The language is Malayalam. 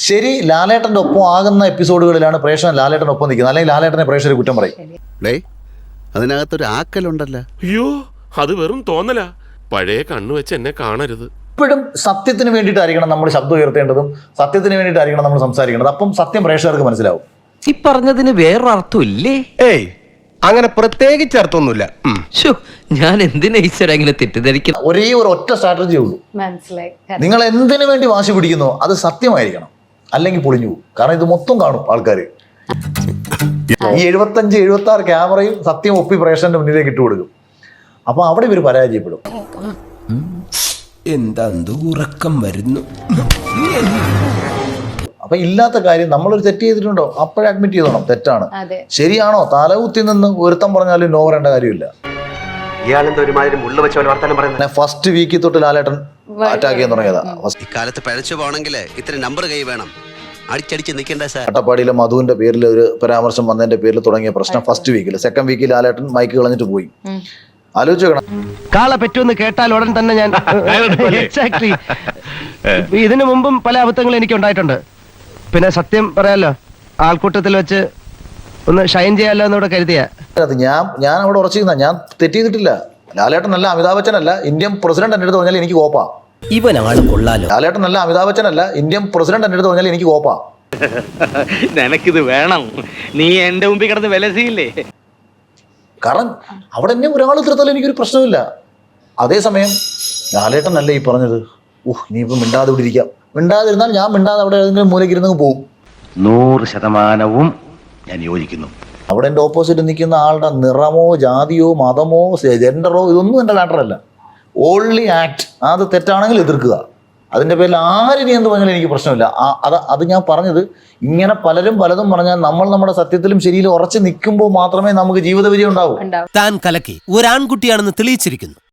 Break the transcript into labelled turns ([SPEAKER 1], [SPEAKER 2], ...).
[SPEAKER 1] ശരി ലാലേട്ടന്റെ ഒപ്പം ആകുന്ന എപ്പിസോഡുകളിലാണ് പ്രേക്ഷകൻ ലാലേട്ടന്റെ ഒപ്പം നിൽക്കുന്നത്, അല്ലെങ്കിൽ ലാലേട്ടനെ പ്രേക്ഷകർ കുറ്റം പറയും.
[SPEAKER 2] അതിനകത്തൊരു ആക്കലുണ്ടല്ലോ.
[SPEAKER 3] അയ്യോ അത് വെറും തോന്നലാ. പഴയ കണ്ണു വെച്ച് എന്നെ കാണരുത്.
[SPEAKER 1] എപ്പോഴും സത്യത്തിന് വേണ്ടിയിട്ടായിരിക്കണം നമ്മൾ ശബ്ദം ഉയർത്തേണ്ടതും സത്യത്തിന് വേണ്ടിയിട്ടായിരിക്കണം നമ്മൾ സംസാരിക്കേണ്ടത്. അപ്പം സത്യം പ്രേക്ഷകർക്ക് മനസ്സിലാവും.
[SPEAKER 4] ഈ പറഞ്ഞതിന് വേറൊരർത്ഥം ഇല്ലേ?
[SPEAKER 5] ഏയ് അങ്ങനെ പ്രത്യേകിച്ച് അർത്ഥമൊന്നുമില്ല.
[SPEAKER 4] ഞാൻ എന്തിനാ ഈശ്വര ഇങ്ങനെ തെറ്റിദ്ധരിക്കണം?
[SPEAKER 1] ഒരേ ഒരു ഒറ്റ സ്ട്രാറ്റജി ഉള്ളൂ.
[SPEAKER 6] മനസ്സിലായി.
[SPEAKER 1] നിങ്ങൾ എന്തിനു വേണ്ടി വാശി പിടിക്കുന്നോ അത് സത്യമായിരിക്കണം, അല്ലെങ്കിൽ പൊളിഞ്ഞു പോകും. കാരണം ഇത് മൊത്തം കാണും ആൾക്കാർ. ഈ 75-76 ക്യാമറയും സത്യം ഒപ്പി പ്രേക്ഷകന്റെ മുന്നിലേക്ക് ഇട്ട് കൊടുക്കും. അപ്പൊ അവിടെ ഇവർ പരാജയപ്പെടും.
[SPEAKER 5] എന്താ ഉറക്കം വരുന്നു.
[SPEAKER 1] അപ്പൊ ഇല്ലാത്ത കാര്യം നമ്മളൊരു തെറ്റ് ചെയ്തിട്ടുണ്ടോ അപ്പോഴേ അഡ്മിറ്റ് ചെയ്തോണം തെറ്റാണ്.
[SPEAKER 6] അതെ.
[SPEAKER 1] ശരിയാണോ തലകുത്തി നിന്ന് ഒരുത്തം പറഞ്ഞാലും നോ പറയേണ്ട കാര്യമില്ല. ഫസ്റ്റ് വീക്കിൽ തൊട്ട് ലാലേട്ടൻ അറ്റാക്ക് ചെയ്യാൻ തുടങ്ങിയതാ.
[SPEAKER 2] ഇക്കാലത്ത് പഴച്ചു പോകണമെങ്കിൽ ഇത്ര നമ്പർ കൈ വേണം. അടിച്ചടിച്ച് നിൽക്കണ്ട സാർ.
[SPEAKER 1] അട്ടപ്പാടിയിലെ മധുവിന്റെ പേരിൽ ഒരു പരാമർശം വന്നതിന്റെ പേരിൽ തുടങ്ങിയ പ്രശ്നം ഫസ്റ്റ് വീക്കിൽ. സെക്കൻഡ് വീക്കിൽ ലാലേട്ടൻ മൈക്ക് കളഞ്ഞിട്ട് പോയി. ആലോചിച്ച് നോക്കണം.
[SPEAKER 5] കാളെ പറ്റുമെന്ന് കേട്ടാൽ ഉടൻ തന്നെ ഞാൻ എക്സാക്ട്ലി ഇതിനു മുമ്പും പല അബദ്ധങ്ങളും എനിക്ക് ഉണ്ടായിട്ടുണ്ട്. പിന്നെ സത്യം പറയാലോ, ആൾക്കൂട്ടത്തിൽ വെച്ച് ഒന്ന് ഷൈൻ ചെയ്യാലോ എന്നൂടെ കരുതിയാ.
[SPEAKER 1] ഞാൻ അവിടെ ഉറച്ചിരുന്ന, ഞാൻ തെറ്റ് ചെയ്തിട്ടില്ല. ലാലേട്ടൻ അല്ല, അമിതാഭ് ബച്ചൻ അല്ല, ഇന്ത്യൻ പ്രസിഡന്റ് എന്റെ അടുത്ത് പറഞ്ഞാൽ എനിക്ക് കോപ്പാ.
[SPEAKER 4] ഇവനാണ് കൊള്ളാലോ.
[SPEAKER 1] ലാലേട്ടൻ അല്ല, അമിതാഭ് ബച്ചൻ അല്ല, ഇന്ത്യൻ പ്രസിഡന്റ് എന്റെ അടുത്ത് പറഞ്ഞാൽ എനിക്ക് കോപ്പാ.
[SPEAKER 7] നിനക്കിത് വേണം, നീ എന്റെ മുമ്പിൽ കിടന്ന് വിലസിയില്ലേ?
[SPEAKER 1] കാരണം അവിടെ എന്നെ ഒരാൾ തീർത്താലും എനിക്കൊരു പ്രശ്നമില്ല. അതേസമയം ലാലേട്ടൻ അല്ല ഈ പറഞ്ഞത്, ഇനിയിപ്പോൾ മിണ്ടാതെ ഇവിടെ ഇരിക്കാം. മിണ്ടാതിരുന്നാൽ ഞാൻ മിണ്ടാതെ അവിടെ ഏതെങ്കിലും മൂലക്കിരുന്ന് പോകും.
[SPEAKER 8] 100% ഞാൻ യോജിക്കുന്നു.
[SPEAKER 1] അവിടെ എൻ്റെ ഓപ്പോസിറ്റ് നിൽക്കുന്ന ആളുടെ നിറമോ ജാതിയോ മതമോ ജെൻഡറോ ഇതൊന്നും എൻ്റെ മാറ്ററല്ല. Only act. അത് തെറ്റാണെങ്കിൽ എതിർക്കുക. അതിൻ്റെ പേരിൽ ആരിനി എന്ത് പറഞ്ഞാലും എനിക്ക് പ്രശ്നമില്ല. അത് ഞാൻ പറഞ്ഞത്, ഇങ്ങനെ പലരും പലതും പറഞ്ഞാൽ നമ്മൾ നമ്മുടെ സത്യത്തിലും ശരിയിലും ഉറച്ചു നിൽക്കുമ്പോൾ മാത്രമേ നമുക്ക് ജീവിത വിജയം ഉണ്ടാവൂ.
[SPEAKER 4] താൻ കലക്കി ഒരു ആൺകുട്ടിയാണെന്ന് തെളിയിച്ചിരിക്കുന്നു.